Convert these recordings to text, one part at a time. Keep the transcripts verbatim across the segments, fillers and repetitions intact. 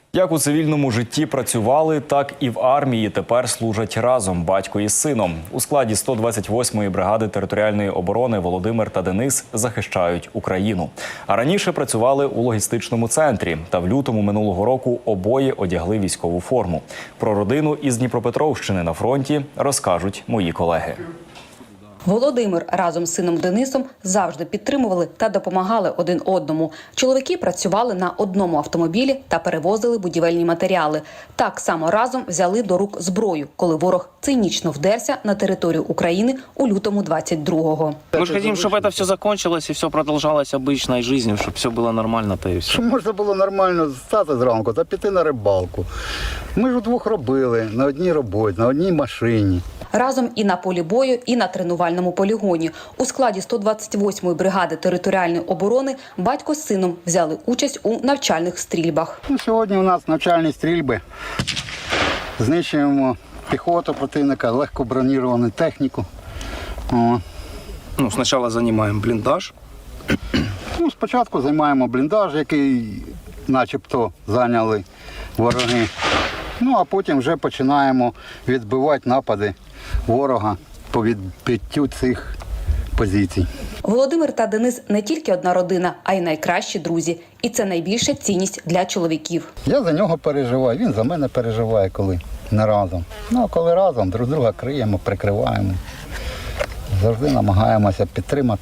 Як у цивільному житті працювали, так і в армії тепер служать разом батько із сином. У складі сто двадцять восьмої бригади територіальної оборони Володимир та Денис захищають Україну. А раніше працювали у логістичному центрі. Та в лютому минулого року обоє одягли військову форму. Про родину із Дніпропетровщини на фронті розкажуть мої колеги. Володимир разом з сином Денисом завжди підтримували та допомагали один одному. Чоловіки працювали на одному автомобілі та перевозили будівельні матеріали. Так само разом взяли до рук зброю, коли ворог цинічно вдерся на територію України у лютому двадцять другого. Ми ж хочемо, щоб це все закінчилось і все продовжувалося обичною життю, щоб все було нормально та і все. Щоб можна було нормально стати зранку та піти на рибалку. Ми ж удвох робили, на одній роботі, на одній машині. Разом і на полі бою, і на тренувальному полігоні. У складі сто двадцять восьмої бригади територіальної оборони батько з сином взяли участь у навчальних стрільбах. Ну, сьогодні у нас навчальні стрільби. Знищуємо піхоту противника, легко броніровану техніку. О. Ну, спочатку займаємо бліндаж. Ну, спочатку займаємо бліндаж, який начебто зайняли вороги. Ну, а потім вже починаємо відбивати напади ворога по відбиттю цих позицій. Володимир та Денис не тільки одна родина, а й найкращі друзі. І це найбільша цінність для чоловіків. Я за нього переживаю, він за мене переживає, коли не разом. Ну, а коли разом, друг друга криємо, прикриваємо. Завжди намагаємося підтримати.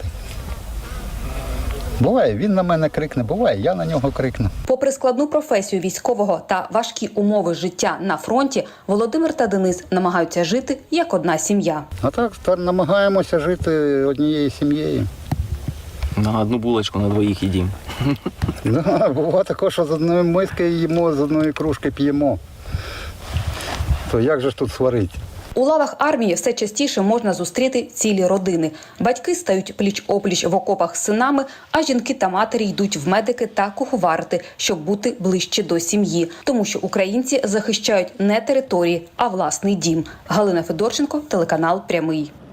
Буває, він на мене крикне, буває, я на нього крикну. Попри складну професію військового та важкі умови життя на фронті, Володимир та Денис намагаються жити як одна сім'я. А так намагаємося жити однією сім'єю. На одну булочку на двоїх їдимо. Да, буває також, що з одної миски їмо, з одної кружки п'ємо. То як же ж тут сварити? У лавах армії все частіше можна зустріти цілі родини. Батьки стають пліч-опліч в окопах з синами, а жінки та матері йдуть в медики та куховарити, щоб бути ближче до сім'ї. Тому що українці захищають не території, а власний дім. Галина Федорченко, телеканал «Прямий».